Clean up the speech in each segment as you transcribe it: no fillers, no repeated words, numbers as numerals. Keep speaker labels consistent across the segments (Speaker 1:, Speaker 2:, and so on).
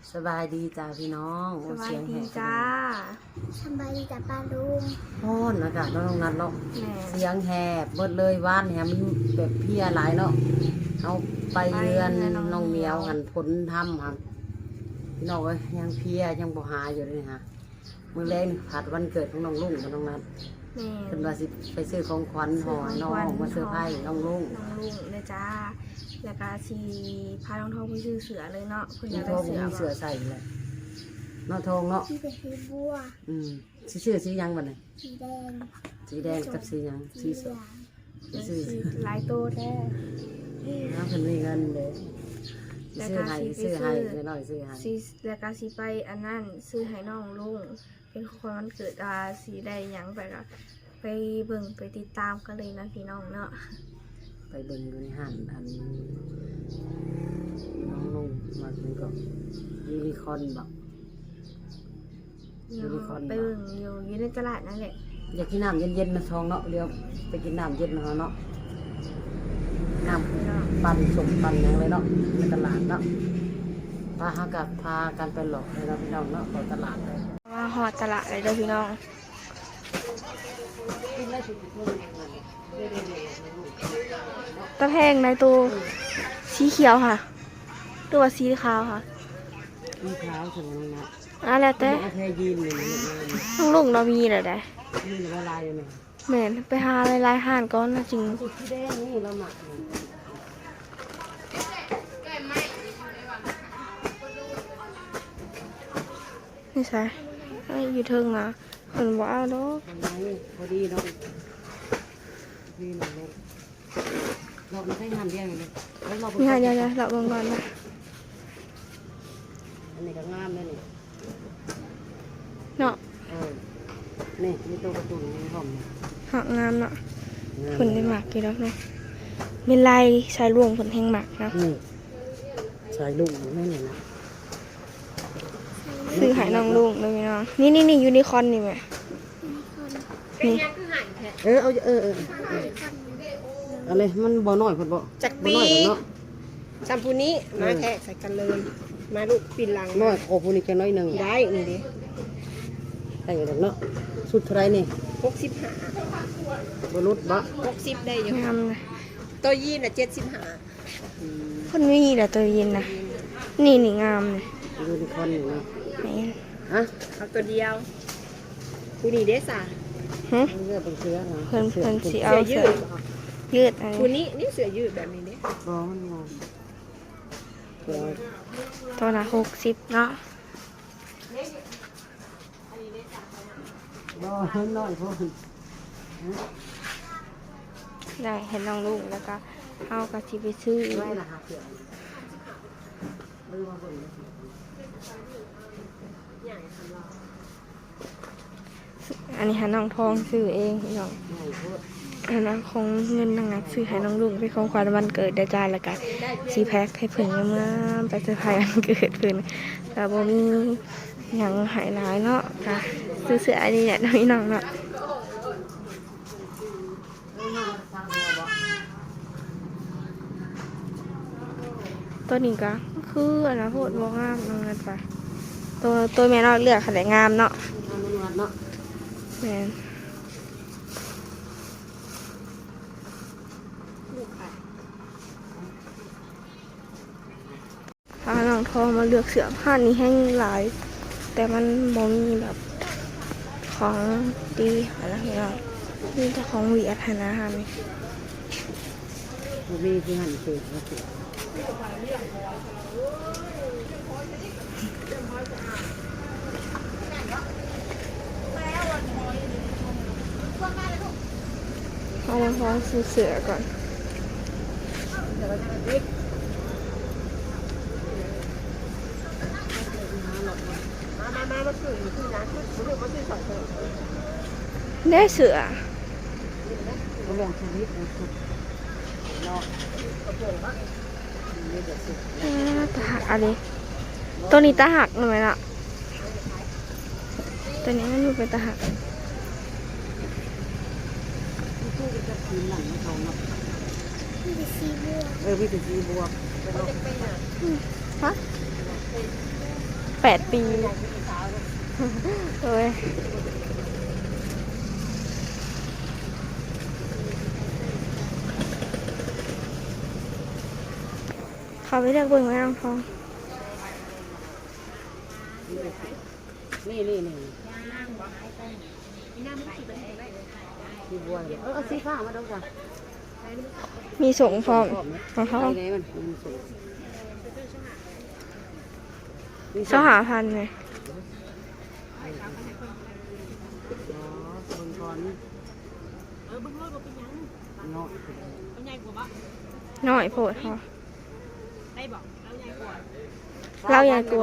Speaker 1: สบายดีจ้าพี่น้อง
Speaker 2: สบายดีจ้า
Speaker 3: สบายดีจ้าป้าลุง
Speaker 1: โอ้นอากาศน้องนัดเนาะ
Speaker 2: แม่
Speaker 1: เสียงแหบเบิดเลยว่านแหมันแบบเพี้ยหลายเนาะเอาไปเรือนน้องเหมียวหันผลทำครับพี่น้องเอ้ยยังเพี้ยยังบ่หายอยู่เลยฮะมื้อแรกผัดวันเกิดของน้องลุงกับน้องนัด
Speaker 2: แม่
Speaker 1: เพิ่นว่าสิไปซื้อของขวัญห่อน้องมาเซอร์ไพรส์น้องลุง
Speaker 2: น้องลุงเลยจ้าแล้วก็ชีพาน้องทองไปซื้อเสือเลยเนาะเพิ่นอ
Speaker 1: มี
Speaker 2: ยาก
Speaker 1: ท
Speaker 2: ได้
Speaker 1: อง
Speaker 2: เสือ
Speaker 1: มีเสือใส่เลยเนาะทองเนาะ
Speaker 3: ที่เป็นสีบัว
Speaker 1: สิซื้อสีหยังบัดนี้
Speaker 3: สีแดง
Speaker 1: สีแดงกับสีหยังสี
Speaker 3: เห
Speaker 1: ส
Speaker 3: ลื
Speaker 1: ด
Speaker 3: อง
Speaker 1: สิซื้อ
Speaker 2: หลายโตแท้
Speaker 1: น้าเพิ่นมีเงินเด้ซื้อให้ซื้อให้น้อยซื้อให้
Speaker 2: สีแล้วก็สีไปอันนั้นซื้อให้น้องลุงเป็นคนวันเกิดสีได้หยังไปก็ไปเบิ่งไปติดตามกันเลยนะพี่น้องเนาะ
Speaker 1: ไปเบิ่งอยู่ในห้างอันน้องลงมาถึงก็ยูนิคอร์นบอก ยูนิคอร์น
Speaker 2: ไปเบิ่งอยู่ในตลาดนั่นแหละ
Speaker 1: อยากกินน้ำเย็นๆนะทองเนาะเดี๋ยวไปกินน้ำเย็นมาเนาะน้ำปั่นสมปั่นอย่างเลยเนาะในตลาดเนาะพาหากับพากันไปหลอกเลยเนาะพี่น้องเนาะไปตลาดเลย
Speaker 2: ว่าหอดตลาดเลยเด้อพี่น้องตะแพงในตัวสีเขียวค่ะตัวสีขาวค่ะ
Speaker 1: มีเท้าถึงนะ
Speaker 2: แล้วแต่
Speaker 1: เอาแค่ยีนเลยนะ
Speaker 2: ต้องลุงเรามีเหรอได้
Speaker 1: ยีนละลายเลยไหม
Speaker 2: แม่นไปหาลายๆห่านก้อนนะจริง
Speaker 1: สุดที่แดงนี่เราหมัก
Speaker 2: นี่ใช่อยู่เทิงนะคนว่าเอาดอก
Speaker 1: พอดีเนาะดีหน่อยเลยเราไม่ใช่หั่นแยงเลยแล้วเรา
Speaker 2: นี่ค่ะเดี๋ยวเราเบิ่งก่อนนะ
Speaker 1: อันนี้ก็งามเลยนี่
Speaker 2: เนาะ
Speaker 1: นี่มีตัวการ์ตูนมีหอม
Speaker 2: หักงามเนาะผลได้หมักกี่ดอกเนาะมีลายชายรวงผลแห่งหมักนะ
Speaker 1: นี่ใส่ลูกไม่เห็นนะ
Speaker 2: ซื้อหายน้องลุงเลยพี่น้องนี่ยูนิคอร์นนี่แม่นี่
Speaker 1: อะไรมันบ่น้อยพอดบ่
Speaker 4: จักปี
Speaker 1: บ่น้อยเนาะ
Speaker 4: ซัมพูนี้มาแทะใส่กันเลย มาลูกปินหลัง
Speaker 1: น้อยโอ้ผู้นี้แค่น้อยหนึ่ง
Speaker 4: ได้นี่ดิ
Speaker 1: ได้อยู่เนาะสุดเท่าไรนี่
Speaker 4: 65
Speaker 1: บรุษบ่
Speaker 4: 60ได้อยู่
Speaker 2: งามเลย
Speaker 4: ตัวยีนน่ะ75
Speaker 2: คนไม่มีแต่ตัวเย็นนะนี่งามเลย
Speaker 1: ยูนิคอร์นอยู่เนาะ
Speaker 2: แม่น
Speaker 1: ฮะ
Speaker 4: เอาตัวเดียวผู้นี้เด้สา
Speaker 2: ฮะ
Speaker 1: เลือกเป็นเสื้อนะ
Speaker 2: เพิ่นสิเอา
Speaker 4: เสื้อยื
Speaker 2: เสื้อ
Speaker 4: ด
Speaker 2: ยืดอัน
Speaker 4: ผู้
Speaker 2: นี้
Speaker 4: นี้นี่เสื้อยืดแบบนี้เด้
Speaker 1: บ่มันงอเดี๋ยว
Speaker 2: ตัวละ60เนาะ
Speaker 1: บ่น้อยพอ
Speaker 2: ได้เห็นน้องลุงแล้วก็เอากระชิไปซื้ออีก
Speaker 1: ไม่ละหาเสียงลืมมาเบิ่ง
Speaker 2: อันนี้หาน้องทองซื้อเองพี่น้อง
Speaker 1: ไม่พูด
Speaker 2: อันนั้นของเงินนางนักซื้อให้น้องลุงเป็นของขวัญวันเกิดได้จ้าแล้วก็ซีแพ็คให้เพิ่นเมื่อไปเซอร์ไพรส์วันเกิดเพิ่นแต่บ่มีหยังหายหลายเนาะค่ะซื้อเสื้ออันนี้แหละพี่น้องเนาะตัวนี้ก็คืออันนะโพดบ่งามน้องนัดไปตัวแม่เนาะเลือกขนาดงามเนาะ
Speaker 1: ทำมันวัดเนาะ
Speaker 2: แม่นพาน้องทองมาเลือกเสื้อผ้านี้ให้หลาย แต่มันบ่มีแบบของดีอะไรอย่างเงี้ยมีแต่ของหวีอัธนาฮะนี่
Speaker 1: บ่มีที่หั่นเสือแล้วสิ
Speaker 2: เอามาพร้อมซื้อเสื้อก่อนได้เสือ
Speaker 1: บ่ลองชีวิตนะสุดเนาะนี่เดี๋ยวสิ
Speaker 2: ตาหักอะไรตัวนี้ตาหักหน่อยละตัวนี้มันอยู่เป็นตาหัก
Speaker 1: ตู้จะคืนหลังเขาเนาะ
Speaker 3: ที่เป็นสีบัว
Speaker 1: มีแต่สีบวก
Speaker 2: ฮะ 8 ปีโอ้ยเขาไปเลือกเบิ่งไว้น้องทอง
Speaker 1: นี่สีบัวเอาสีฟ้ามาดูก่อน
Speaker 2: มีส่งพร้อมของเขา
Speaker 1: ไหนมันสูง
Speaker 2: เจ้าหาพันเลย
Speaker 1: อ๋อคนก่อนเนาะ
Speaker 2: น้อยโพดเขา
Speaker 4: ได้บอกแล้วยายกว่า
Speaker 2: เราใหญ่กลัว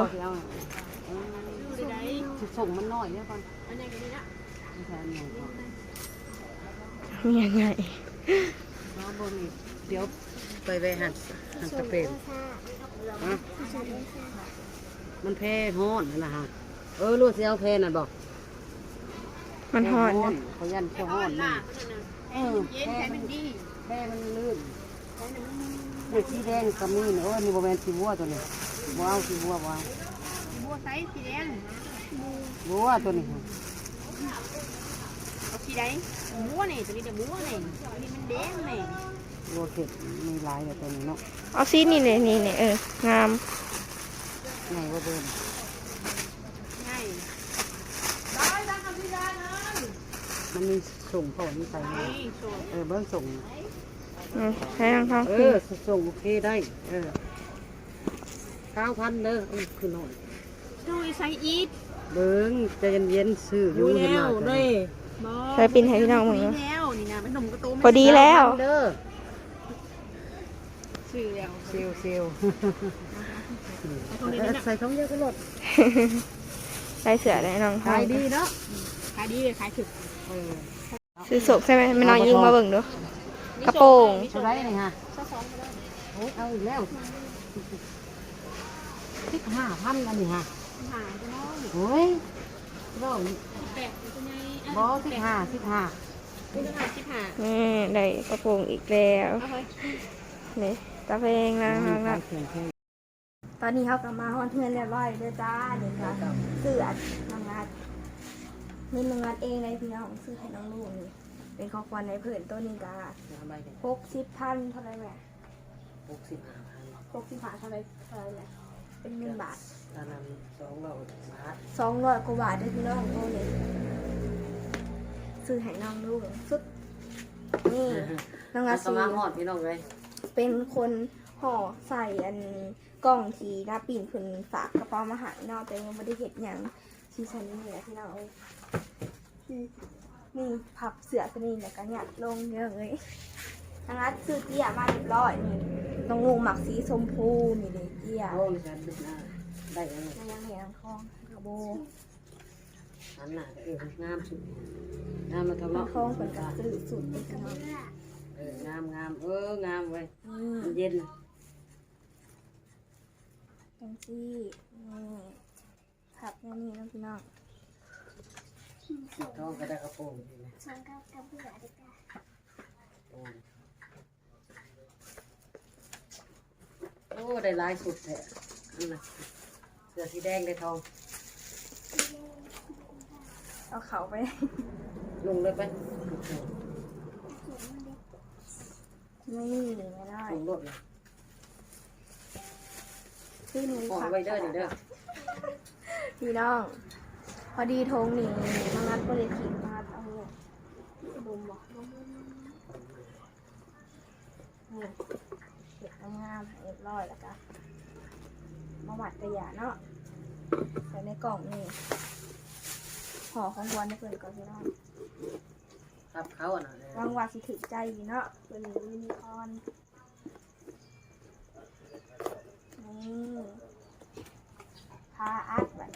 Speaker 1: ส่งมันน้อยเนี่ยก่อน
Speaker 4: อันยายกันนี่นะ
Speaker 1: ไม่ใช่อันใหญ่ก่อน
Speaker 2: มียังไง
Speaker 1: น้องบนอีกเดี๋ยวไปหันตะเปมฮะมันแพ้ฮ้อนนั่นนะฮะรู้สิเอาแพ้นั่นบอก
Speaker 2: มันหอน
Speaker 1: เขายันเขาฮ้อนนี่
Speaker 4: เย็นใช้มันดี
Speaker 1: แพ้มันลื่นเด็กสีแดงก็มีนี่นี่บริเวณสีบัวตัวนี้บัวเอาสีบัวบัว
Speaker 4: บัวไซส์สีแดง
Speaker 1: บัวตัวนี้
Speaker 4: เอาสีใดบัวนี่ตัวนี้เดี๋ยวบัวนี่ตัวนี้มันแดงนี่
Speaker 1: บัวเข็ดมีหลายแบบตัวนี้เนาะ
Speaker 2: เอาซีนี่เนี่ยงาม
Speaker 1: ไงว่าเบิ่ม
Speaker 4: ง่าย
Speaker 1: มันมีส่งผลใส่
Speaker 4: นี่โซ่
Speaker 1: เบิ้งส่ง
Speaker 2: ให้น้องทอง
Speaker 1: ส่งโอเคได้9,000เด้อคือน้อย
Speaker 4: โซ่ไซส์อีท
Speaker 1: เบิ้งใจเย็นๆซื้ออยู่เห็นมาเลย
Speaker 2: ใช้ปินให้พี่น้องมึง
Speaker 4: ดี
Speaker 2: เนาะ
Speaker 4: แล้วนี่นะมันหนุ่มกระตุ้ม
Speaker 2: พอดีแล้ว
Speaker 1: เด้อ
Speaker 4: ซื้อแล้ว
Speaker 1: เซลใส่ของเยอะก็ลด
Speaker 2: ใส่เสือได้น้องทอ
Speaker 1: ขาง ยดีเนาะ
Speaker 4: ขายดีเลยขายถึก
Speaker 2: ซื้อศกใช่ไหมไม่น้อยยิงมาเบิ่งดูกระโปรง
Speaker 1: เท่าไรนี่ฮะโอ้เอาอีกแล้ว15,000แล้วนี่ฮะ
Speaker 4: หาจะน้อง
Speaker 1: โอ้ยเรา
Speaker 4: แปะตัวใหญ่
Speaker 1: บอ15
Speaker 4: คุณหาสิบหา
Speaker 2: นี่ได้กระโปรงอีกแล้ว
Speaker 4: เอาเฮ้ย
Speaker 2: นี่ตาเพลงนะ
Speaker 1: 15
Speaker 2: นะตอนนี้เขากลับมาฮอนเทือนเรียบร้อยเลยจ้าเดี๋ยวจะซื้อน้องงัดนี่น้องงัดเองเลยพี่น้องซื้อให้น้องลูกนี่เป็นของขวัญในเพื่อนตัวนี้กา60,000เท่าไรแม่
Speaker 1: 65,000
Speaker 2: 65เท่าไรแม่เป็นเงินบาท
Speaker 1: ตอนนั้น200 บาท
Speaker 2: 200 กว่าบาทได้พี่น้องโอ้นี่ซื้อให้น้องลูกสุดนี่น้องงัด
Speaker 1: ส
Speaker 2: ซื้
Speaker 1: มา
Speaker 2: อ
Speaker 1: หอดพี่น้องเลย
Speaker 2: เป็นคนห่อใส่อันกล่องทีหน้าปิ่นคุณฝากกระเป๋ามาหายนอกแต่ยังไม่ได้เห็นอย่างที่ฉันนี่แหละที่เราเอานี่พับเสือตัวนี้แล้วก็เนี่ยลงเยอะเลยทางนั้นซื้อเตี้ยมาเรียบร้อยนี่ต้องงูหมักสีชมพูนี่เลยเตี้ย
Speaker 1: โอ้ยฉันดึกหน้าได้แล้ว
Speaker 2: มันยังเหนียวทองกระโบ
Speaker 1: อันน่ะงามสุดงามมาทำ
Speaker 2: มัน
Speaker 1: เนาะ
Speaker 2: ทองเป็นกระสือสุดเป็นกระนอง
Speaker 1: งามงามงามเว้ย
Speaker 2: นี่
Speaker 1: มันเย็น
Speaker 2: จังซี่นี่พับแค่นี้นะพี่น้อง
Speaker 1: ท้องก็ได้กระโปรงนี่นะ
Speaker 3: ฉันก็กระเบื้อดีกว่า
Speaker 1: โอ้ได้ลายสุดแท้อันน่ะเสื้อสีแดงได้ทอง
Speaker 2: เอาเขาไป
Speaker 1: ลงเลยไป
Speaker 2: นี่ไม่ได้
Speaker 1: ลงรถเลย
Speaker 2: ที่หนู
Speaker 1: ปล่อยไว้เด้อนี่เด้อ
Speaker 2: พี่น้อง พอดีทงนี่มางัดบริขีดมางัดเอาเนี่ยบุมบอกนี่เก็บงามๆให้เรียบร้อยแล้วก็มาหวัดกระยาเนาะใส่ในกล่องนี่ห่อของวันให้เพื่อนก่อนพี่น้อง
Speaker 1: ทับเขาอ่ะนะ
Speaker 2: วางว่าสิถึกใจอยู่เนาะเป็นยูนิคอร์นนี่พาอัดแบบ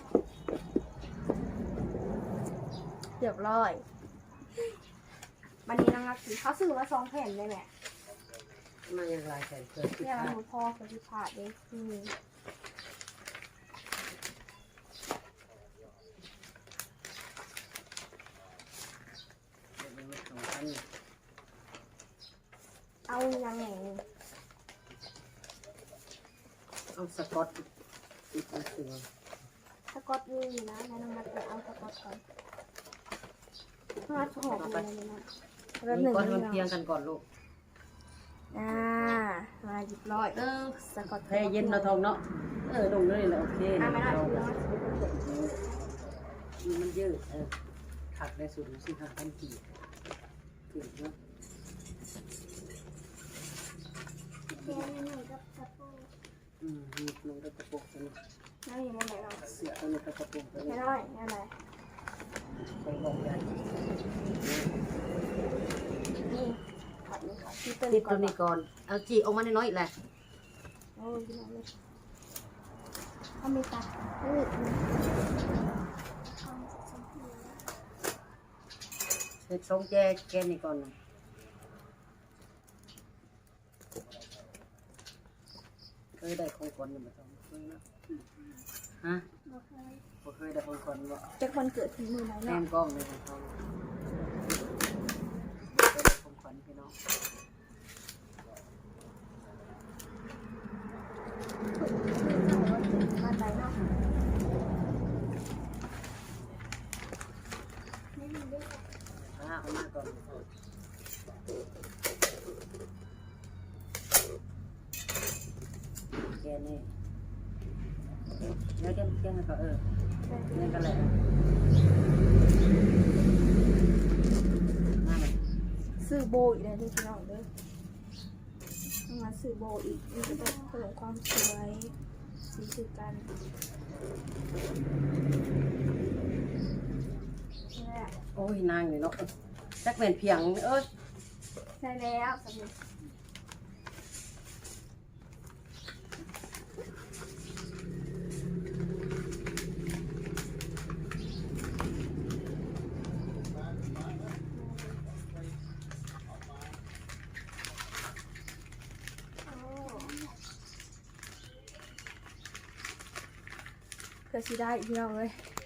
Speaker 2: เรียบร้อยวันนี้นะครับเขาซื้อมา2 แผ่นเลยแหละ
Speaker 1: มาอย่างลายแขนเกิดที่
Speaker 2: เนี่ย
Speaker 1: ขา
Speaker 2: มันพอกับที่ผ่าเลยเอายังไง
Speaker 1: เอาสกอตติดตัว
Speaker 2: อตนี่นะแล้วน้องมัดไปเอาสกอตก่อนมัดหอมเลยนะแล้ว
Speaker 1: นี่
Speaker 2: หนึ่ง
Speaker 1: ก่อนมัน
Speaker 2: เรา
Speaker 1: เพียงกันก่อนลูก
Speaker 2: มาหยิบร้อยสกอต
Speaker 1: แพ้เย็นเนาะทองเนาะลงเลยแหละโอเค
Speaker 2: ไม่ได้
Speaker 1: มันยืดถักได้สุดสิค่ะทันทีถึงเนาะ
Speaker 3: เรียนหน่อยกับกระโปรง
Speaker 1: มีลงกระปุกตัวนี้
Speaker 2: ไม่มีมันไหนเรา
Speaker 1: เสียตัวนี้กระปุกตัวนี้
Speaker 2: ไม่ได้อะไร
Speaker 1: ไปบอกใหญ่
Speaker 2: นี่ขัดนี่ขัดที่
Speaker 1: ติ
Speaker 2: เต้
Speaker 1: ด
Speaker 2: น
Speaker 1: ตัวนี้ก่อนเอาจีออกมาน้อยๆแหละ
Speaker 2: โอ้ยพี่น้องเลยถ้าไม่ตัด
Speaker 1: เฮ็ดทรงแกนนี่ก่อนนะเคยได้ของขวัญอยู่บ่ต้องเคยเนาะฮะ
Speaker 3: บ่เคย
Speaker 1: บ่เคยได้ของขวัญบ่
Speaker 2: จะคนเกิดถึงมือไหน
Speaker 1: แน
Speaker 2: เนาะ
Speaker 1: มกล้องเลยของเขาเคยได้ของขวัญพี่น้อง
Speaker 2: มาใจเนาะ
Speaker 3: ไม่มีด้วย
Speaker 1: เอามาก่อนแกนี่แล้วแกให้เขานี่ก็แหละนั่นแหละ
Speaker 2: ซื้อโบอีกแล้วที่พี่น้องเด้อมาซื้อโบอีกนี่ก็ต้องเพิ่มความสวยสีคือกันนี่แหละ
Speaker 1: โอ้ยนางนี่เนาะจักเป็นเพียง
Speaker 2: ได้แล้วสำเร็จเพื่อสิได้อีกพี่น้องเลย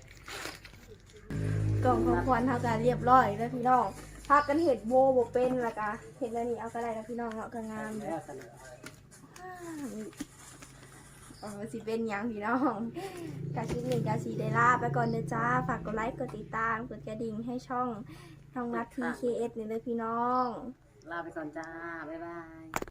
Speaker 2: กล่องของขวัญเท่ากันเรียบร้อยแล้วพี่น้องพากันเห็ดโบเป็นละกะเห็ดแล้วนี่เอาก็ได้แล้วพี่น้องเนาะก็งามเลย
Speaker 1: แล้วสนะ
Speaker 2: สิเป็นหยังพี่น้องกาชิ้นหนึ่งกาสีได้ลาไปก่อนเด้อจ้าฝากกดไลค์กดติดตามกดกระดิ่งให้ช่องน้องนัด PKS เนี่ยเลยพี่น้อง
Speaker 1: ลาไปก่อนจ้า บ๊ายบาย